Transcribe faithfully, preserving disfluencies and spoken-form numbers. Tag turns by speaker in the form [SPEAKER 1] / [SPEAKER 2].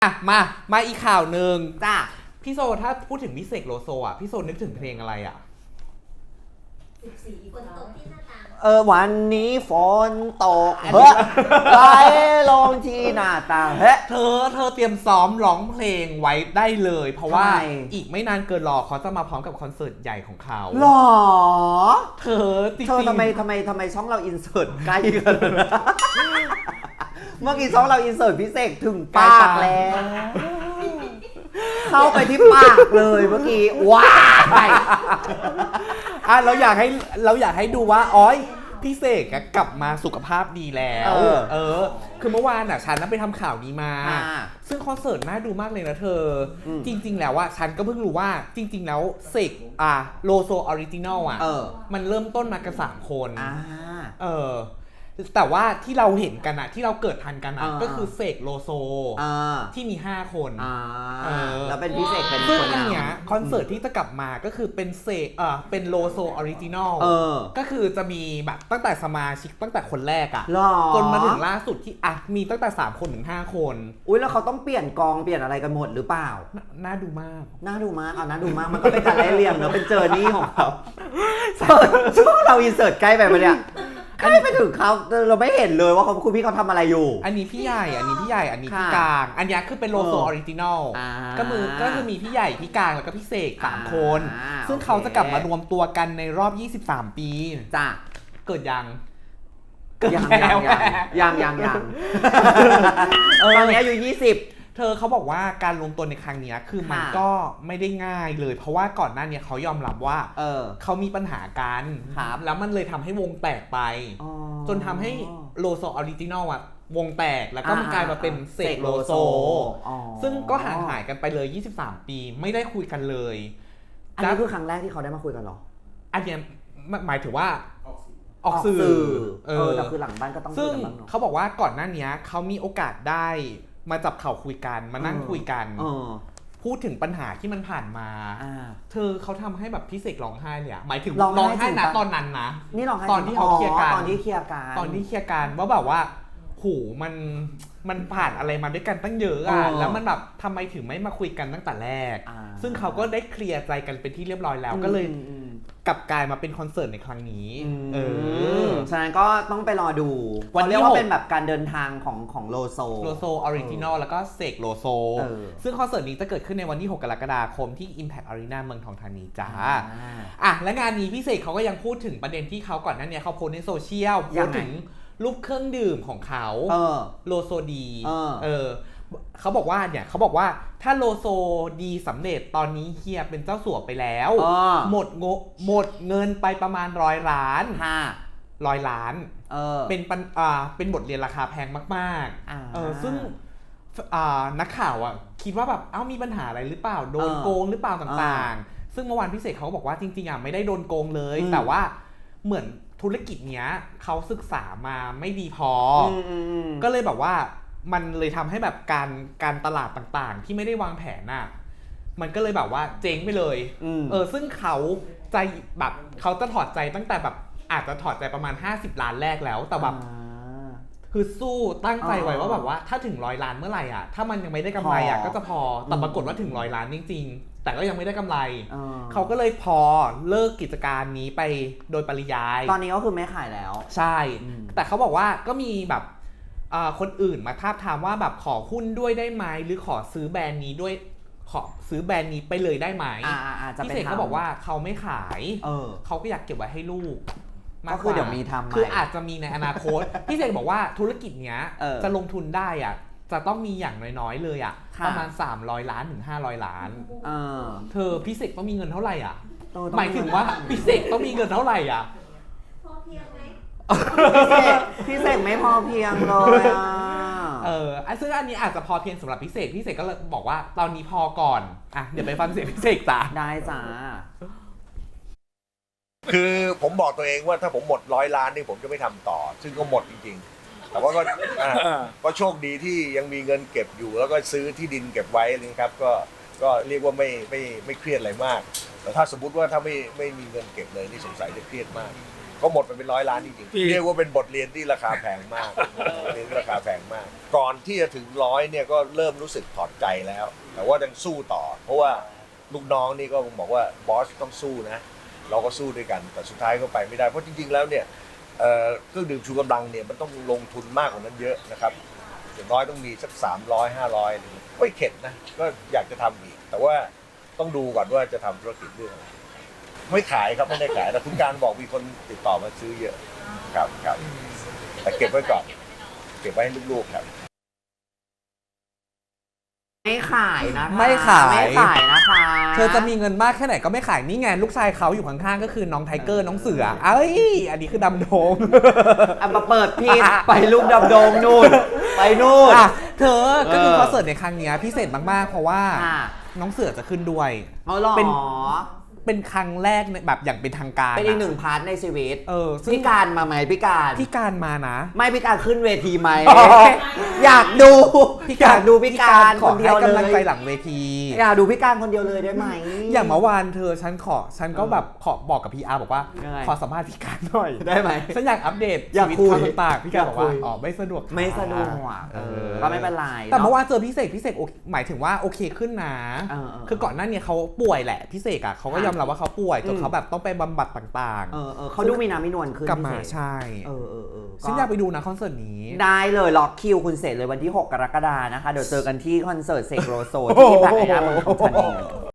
[SPEAKER 1] อ่ะมามาอีกข่าวหนึ่ง
[SPEAKER 2] จ้า
[SPEAKER 1] พี่โซถ้าพูดถึงพี่เสกโลโซอ่ะพี่โซนึกถึงเพลงอะไรอ่ะ
[SPEAKER 3] สิบสี่ฝนตกที่หน้าต่าง
[SPEAKER 2] เออวันนี้ฝนตกเฮ้ยไหลลงที่หน้าต่างเฮ้ย
[SPEAKER 1] เธอเธอเตรียมซ้อมร้องเพลงไว้ได้เลย เพราะว่า
[SPEAKER 2] ทำไม
[SPEAKER 1] อีกไม่นานเกินรอเขาจะมาพร้อมกับคอนเสิร์ตใหญ่ของเขา
[SPEAKER 2] หรอ
[SPEAKER 1] เธอจริง
[SPEAKER 2] เธอทำไมทำไมทำไมช่องเราอินเสิร์ตใกล้กันนะเมื่อกี้ช่องเราอินเสิร์ตพิเศษถึงปากแล้วเข้าไปที่ปากเลยเมื่อกี้ว้าย
[SPEAKER 1] อ่ะเราอยากให้เราอยากให้ดูว่าอ๋อยพี่เสกกลับมาสุขภาพดีแล้ว
[SPEAKER 2] เออ
[SPEAKER 1] เออ คือเมื่อวานอ่ะฉันนั้นไปทำข่าวนี้มา
[SPEAKER 2] อ่า
[SPEAKER 1] ซึ่งคอนเสิร์ตน่าดูมากเลยนะเธออ
[SPEAKER 2] ม
[SPEAKER 1] จริง ๆ แล้วอ่ะฉันก็เพิ่งรู้ว่าจริง ๆ แล้วเสกอ่ะโลโซออริจินอลอ่ะ
[SPEAKER 2] เออ
[SPEAKER 1] มันเริ่มต้นมากันสามคน
[SPEAKER 2] อ่า
[SPEAKER 1] เออแต่ว่าที่เราเห็นกันอะที่เราเกิดทันกันอะ
[SPEAKER 2] อ่า
[SPEAKER 1] ก็คือเสกโลโซ
[SPEAKER 2] อ่า
[SPEAKER 1] ที่มีห้าคน
[SPEAKER 2] อ่า
[SPEAKER 1] เออ
[SPEAKER 2] แล้วเป็นพิเศษเป็น
[SPEAKER 1] ซึ่ง
[SPEAKER 2] คน
[SPEAKER 1] อันเนี้ย
[SPEAKER 2] นำ
[SPEAKER 1] คอนเสิร์ตที่จะกลับมาก็คือเป็นเสกเออเป็นโลโซออริจินอล
[SPEAKER 2] เออ
[SPEAKER 1] ก็คือจะมีแบบตั้งแต่สมาชิกตั้งแต่คนแรกอะ
[SPEAKER 2] หรอ
[SPEAKER 1] จนมาถึงล่าสุดที่อ่ะมีตั้งแต่สามคนถึงห้าคน
[SPEAKER 2] อุ้ยแล้วเขาต้องเปลี่ยนกองเปลี่ยนอะไรกันหมดหรือเปล่า
[SPEAKER 1] นน่าดูมาก
[SPEAKER 2] น่าดูมากเอาน่าดูมาก มันก็เป็นการไล่เรียงเนอะเป็นเจอร์นี่ของเขาช่วงเราอินเสิร์ตใกล้ไปปะเนี่ยใกล้ไปถึงเขาเราไม่เห็นเลยว่าเขาคุณพี่เขาทำอะไรอยู่
[SPEAKER 1] อันนี้พี่ใหญ่อันนี้พี่ใหญ่อันนี้พี่
[SPEAKER 2] ค่ะ
[SPEAKER 1] กลาง อันเนี้ยคือเป็นโลโซอ
[SPEAKER 2] เออ
[SPEAKER 1] อริจินอล
[SPEAKER 2] อ่า
[SPEAKER 1] ก็มือก็คือมีพี่ใหญ่พี่กลางแล้วก็พี่เสกสามคน
[SPEAKER 2] อ่า
[SPEAKER 1] ซึ่ง
[SPEAKER 2] โอเค
[SPEAKER 1] เขาจะกลับมารวมตัวกันในรอบยี่สิบสามปี
[SPEAKER 2] จ้ะ
[SPEAKER 1] เกิดยัง
[SPEAKER 2] ยัง
[SPEAKER 1] แล้
[SPEAKER 2] ยัง
[SPEAKER 1] ว
[SPEAKER 2] ยังยังยังยังตอนนี้อายุยี่สิบ
[SPEAKER 1] เธอเขาบอกว่าการรวมตัวในครั้งเนี้ยคือมัน
[SPEAKER 2] ค่ะ
[SPEAKER 1] ก็ไม่ได้ง่ายเลย เพราะว่าก่อนหน้าเนี้ยเขายอมรับว่า
[SPEAKER 2] เออ
[SPEAKER 1] เขามีปัญหากัน
[SPEAKER 2] ครับ
[SPEAKER 1] แล้วมันเลยทำให้วงแตกไป
[SPEAKER 2] อ๋อ
[SPEAKER 1] จนทำให้โลโซออริจินอลอะวงแตกแล้วก็มัน
[SPEAKER 2] อ่าก
[SPEAKER 1] ลายมาเป็นเสกโลโซ
[SPEAKER 2] อ๋อ
[SPEAKER 1] ซึ่งก็ห่างหายกันไปเลย ยี่สิบสาม ปีไม่ได้คุยกันเลย
[SPEAKER 2] อันนี้คือครั้งแรกที่เขาได้มาคุยกันเหรอ
[SPEAKER 1] อันเนี้ยหมายถึงว่าออก
[SPEAKER 2] ออก
[SPEAKER 1] สื่อ
[SPEAKER 2] สื่อ
[SPEAKER 1] เอ
[SPEAKER 2] เอ
[SPEAKER 1] อ
[SPEAKER 2] อแต่คือหลังบ้านก็ต้องคุ
[SPEAKER 1] ซึ่
[SPEAKER 2] ย
[SPEAKER 1] ง
[SPEAKER 2] กันบ้างเนาะ
[SPEAKER 1] เขาบอกว่าก่อนหน้านี้เขามีโอกาสได้มาจับเข่าคุยกันมานั่ง
[SPEAKER 2] เออ
[SPEAKER 1] คุยกัน
[SPEAKER 2] เออ
[SPEAKER 1] พูดถึงปัญหาที่มันผ่านมา
[SPEAKER 2] อ่า
[SPEAKER 1] เธอเขาทำให้แบบพี่เสกร้องไห้เลยอะหมายถึง
[SPEAKER 2] ร้องไห้
[SPEAKER 1] ร้องไห้
[SPEAKER 2] ถึง
[SPEAKER 1] นะ
[SPEAKER 2] ปะ
[SPEAKER 1] ตอนนั้นนะ
[SPEAKER 2] นี่ลองให้
[SPEAKER 1] ตอนที่เขาเคลียร์กัน
[SPEAKER 2] ตอนที่เคลียร์กัน
[SPEAKER 1] ตอนที่เคลียร์กันว่าแบบว่าโหมันมันผ่านอะไรมาด้วยกันตั้งเยอะอะ
[SPEAKER 2] เออ
[SPEAKER 1] แล้วมันแบบทำไมถึงไม่มาคุยกันตั้งแต่แรก
[SPEAKER 2] อ่า
[SPEAKER 1] ซึ่งเขาก็ได้เคลียร์ใจกันเป็นที่เรียบร้อยแล้วก็เลย
[SPEAKER 2] อืมอืม
[SPEAKER 1] กลับกลายมาเป็นคอนเสิร์ตในครั้งนี้
[SPEAKER 2] อืม
[SPEAKER 1] เออ
[SPEAKER 2] ฉะนั้นก็ต้องไปรอดู
[SPEAKER 1] วันที่
[SPEAKER 2] เขาเรียกว่า
[SPEAKER 1] หก
[SPEAKER 2] เป็นแบบการเดินทางของของโลโซ
[SPEAKER 1] โลโซออริจินอลแล้วก็เสกโลโซ
[SPEAKER 2] เออ
[SPEAKER 1] ซึ่งคอนเสิร์ตนี้จะเกิดขึ้นในวันที่ หก กรกฎาคมที่ Impact Arena เมืองทองธานีจ้า
[SPEAKER 2] อ่า
[SPEAKER 1] อ่ะและงานนี้พี่เสกเขาก็ยังพูดถึงประเด็นที่เขาก่อนหน้านี้เขาโพสต์ในโซเชียลโพ
[SPEAKER 2] ยั
[SPEAKER 1] ส
[SPEAKER 2] ง
[SPEAKER 1] ต์
[SPEAKER 2] ไง
[SPEAKER 1] ถึงรูปเครื่องดื่มของเขา
[SPEAKER 2] เออ
[SPEAKER 1] โลโซดี
[SPEAKER 2] เออ
[SPEAKER 1] เออเขาบอกว่าเนี่ยเขาบอกว่าถ้าโลโซดีสำเร็จตอนนี้เฮียเป็นเจ้าสัวไปแล้ว
[SPEAKER 2] เออ
[SPEAKER 1] หมดงหมดเงินไปประมาณร้อยล้าน
[SPEAKER 2] ค่ะ
[SPEAKER 1] ร้อยล้าน
[SPEAKER 2] เออ
[SPEAKER 1] เป็นปัญอ่าเป็นบทเรียนราคาแพงมาก
[SPEAKER 2] อ่า
[SPEAKER 1] ๆเออซึ่งอ่านักข่าวอ่ะคิดว่าแบบเอ้ามีปัญหาอะไรหรือเปล่าโดน
[SPEAKER 2] เออ
[SPEAKER 1] โกงหรือเปล่าต่างๆ ซึ่งเมื่อวานพี่เสกเขาก็บอกว่าจริงๆอ่ะไม่ได้โดนโกงเลย
[SPEAKER 2] อืม
[SPEAKER 1] แต่ว่าเหมือนธุรกิจเนี้ยเขาศึกษามาไม่ดีพออ
[SPEAKER 2] มอืมอืม
[SPEAKER 1] ก็เลยแบบว่ามันเลยทำให้แบบการการตลาดต่างๆ ที่ไม่ได้วางแผนน่ะมันก็เลยแบบว่าเจ๊งไปเลย
[SPEAKER 2] อืม
[SPEAKER 1] เออซึ่งเขาใจแบบเขาจะถอดใจตั้งแต่แบบอาจจะถอดใจประมาณห้าสิบล้านแรกแล้วแต่แบบ
[SPEAKER 2] อ่า
[SPEAKER 1] คือสู้ตั้งใจไว้
[SPEAKER 2] อ๋อ
[SPEAKER 1] ว่าแบบว่าถ้าถึงร้อยล้านเมื่อไหร่อ่ะถ้ามันยังไม่ได้กำไรอ่ะ
[SPEAKER 2] พอ
[SPEAKER 1] ก็จะพอแต่
[SPEAKER 2] อืม
[SPEAKER 1] ปรากฏว่าถึงร้อยล้านจริงๆ แต่ก็ยังไม่ได้กำไร
[SPEAKER 2] เออ
[SPEAKER 1] เขาก็เลยพอเลิกกิจการนี้ไปโดยปริยาย
[SPEAKER 2] ตอนนี้ก็คือไม่ขายแล้ว
[SPEAKER 1] ใช่
[SPEAKER 2] อืม
[SPEAKER 1] แต่เขาบอกว่าก็มีแบบอ่าคนอื่นมาทาบทามว่าแบบขอหุ้นด้วยได้ไหมหรือขอซื้อแบรนด์นี้ด้วยขอซื้อแบรนด์นี้ไปเลยได้ไหม
[SPEAKER 2] อ่าอ่าอ่าจะ
[SPEAKER 1] พี่
[SPEAKER 2] เป็น
[SPEAKER 1] เสกเขาบอกว่าเขาไม่ขาย
[SPEAKER 2] เออ
[SPEAKER 1] เขาก็อยากเก็บไว้ให้ลูกมา
[SPEAKER 2] ก็
[SPEAKER 1] ก
[SPEAKER 2] คื
[SPEAKER 1] ก
[SPEAKER 2] อ
[SPEAKER 1] ว่า
[SPEAKER 2] เดี๋ยวมีทำใหม่
[SPEAKER 1] คืออาจจะมีในอนาคต พี่เสกบอกว่าธุรกิจเนี้ย
[SPEAKER 2] เออ
[SPEAKER 1] จะลงทุนได้อ่ะจะต้องมีอย่างน้อยๆเลยอ่ะ
[SPEAKER 2] ค่ะ
[SPEAKER 1] ประมาณสามร้อยล้านถึงห้าร้อยล้าน
[SPEAKER 2] เออ
[SPEAKER 1] เธอพี่เสกต้องมีเงินเท่าไหร่อ่ะ
[SPEAKER 2] เออต้อง
[SPEAKER 1] หมายถึงว่าพี่เสกต้องมีเงินเท่าไหร่อ่ะ
[SPEAKER 3] พอเพียงไหม
[SPEAKER 2] พี่เสกพี่เสกไม่พอเพียงเลยอ่ะ
[SPEAKER 1] เอออันซึ่งอันนี้อาจจะพอเพียงสำหรับพี่เสกพี่เสกก็เลยบอกว่าตอนนี้พอก่อนอ่ะเดี๋ยวไปฟังเสียงพี่เสกจ้ะ
[SPEAKER 2] ได้จ้า
[SPEAKER 4] คือผมบอกตัวเองว่าถ้าผมหมดร้อยล้านนี่ผมจะไม่ทำต่อ ซึ่งก็หมดจริงๆ แต่ว่าก็อ่าก็โชคดีที่ยังมีเงินเก็บอยู่ แล้วก็ซื้อที่ดินเก็บไว้นะครับ ก็ก็เรียกว่าไม่ไม่ไม่เครียดอะไรมาก แต่ถ้าสมมติว่าถ้าไม่ไม่มีเงินเก็บเลยนี่สงสัยจะเครียดมากก็หมดไปเป็นร้อยล้านจริงๆเรียกว่าเป็นบทเรียนที่ราคาแพงมากเรียนที่ราคาแพงมาก ก่อนที่จะถึงร้อยเนี่ยก็เริ่มรู้สึกถอดใจแล้ว แต่ว่ายังสู้ต่อ เพราะว่าลูกน้องนี่ก็บอกว่าบอสต้องสู้นะ เราก็สู้ด้วยกัน แต่สุดท้ายก็ไปไม่ได้เพราะจริงๆแล้วเนี่ยเครื่องดื่มชูกำลังเนี่ยมันต้องลงทุนมากกว่านั้นเยอะนะครับอย่างน้อยต้องมีสักสามร้อยห้าร้อยไม่เข็ดนะก็อยากจะทำอีกแต่ว่าต้องดูก่อนว่าจะทำธุรกิจเรื่องอะไรไม่ขายครับไม่ได้ขายแต่คุณการบอกมีคนติดต่อมาซื้อเยอะครับครับแต่เก็บไว้ก่อนเก็บไว้ให้ลูกๆครับ
[SPEAKER 2] ไม่ขายนะคะ
[SPEAKER 1] ไม่ขาย
[SPEAKER 2] ไม่ขายนะคะ
[SPEAKER 1] เธอจะมีเงินมากแค่ไหนก็ไม่ขายนี่ไงลูกชายเขาอยู่ข้างๆก็คือน้องไทเกอร์น้องเสือเอ้ยอันนี้คือดำโดง
[SPEAKER 2] เอามาเปิดผิดไปลูกดำดงนู่นไปนู่น
[SPEAKER 1] อ่ะเธอก็คือ
[SPEAKER 2] เออ
[SPEAKER 1] คอนเสิร์ตในครั้งเนี้ยพิเศษมากๆเพราะว่า
[SPEAKER 2] ค่ะ
[SPEAKER 1] น้องเสือจะขึ้นด้วย
[SPEAKER 2] เอาหรอ
[SPEAKER 1] เป็น เป็นครั้งแรกในแบบอย่างเป็นทางการ
[SPEAKER 2] เป็นอีกหนึ่งพาร์ทในชีวิต
[SPEAKER 1] เออซึ่ง
[SPEAKER 2] พี่การมาไหมพี่การ
[SPEAKER 1] พี่การมานะ
[SPEAKER 2] ไม่พี่การขึ้นเวทีไหม
[SPEAKER 1] อ๋อ
[SPEAKER 2] อยากดู
[SPEAKER 1] พี่
[SPEAKER 2] อยากดูพี่การ
[SPEAKER 1] ข
[SPEAKER 2] ค
[SPEAKER 1] อน
[SPEAKER 2] เดี
[SPEAKER 1] ให้
[SPEAKER 2] ยวเล
[SPEAKER 1] กำลังใจ
[SPEAKER 2] ย
[SPEAKER 1] หลังเวที
[SPEAKER 2] อยากดูพี่การคนเดียวเลยได้ไหม
[SPEAKER 1] อย่างเมื่อวานเธอฉันขอฉันก็แบบขอบอกกับพี่อาร์บอกว่า
[SPEAKER 2] ยังไง
[SPEAKER 1] ขอสัมภาษณ์พี่การหน่อย
[SPEAKER 2] ได้ไหม
[SPEAKER 1] ฉันอยากอัปเดต
[SPEAKER 2] อยาก
[SPEAKER 1] ชีวิต
[SPEAKER 2] คุย
[SPEAKER 1] ความต่างๆพี่การบอกว่า
[SPEAKER 2] อยากคุย
[SPEAKER 1] อ๋อไม่สะดวก
[SPEAKER 2] ไม่สะดวก
[SPEAKER 1] เอ
[SPEAKER 2] เอ
[SPEAKER 1] อ
[SPEAKER 2] อก็ไม่เป็นไร
[SPEAKER 1] แต่เมื่อ
[SPEAKER 2] เนาะ
[SPEAKER 1] วานเจอพี่เสกพี่เสกโอเคหมายถึงว่าโอเคขึ้นนะ
[SPEAKER 2] เออเออ
[SPEAKER 1] คือก่อนหน้านี้เขาป่วยแหละพี่เสกอ่ะเขาก็ยอมรับว่าเขาป่วยจนเขาแบบต้องไปบำบัดต่าง
[SPEAKER 2] เออเออเขาดูมีน้ำมีนวลขึ้น
[SPEAKER 1] ๆ กลับมา
[SPEAKER 2] พี่เส
[SPEAKER 1] ใช่
[SPEAKER 2] เออเออเออ
[SPEAKER 1] ฉันอยากไปดูนะคอนเสิร์ตนี้
[SPEAKER 2] ได้เลยล็อกคิวคุณเสร็จเลยวันที่หกกรกฎานะคะ เดี๋ยวเจอกันที่คอนเสิร์ตเสกโลโซที่ผ่านไอด้าเมืองทองธานี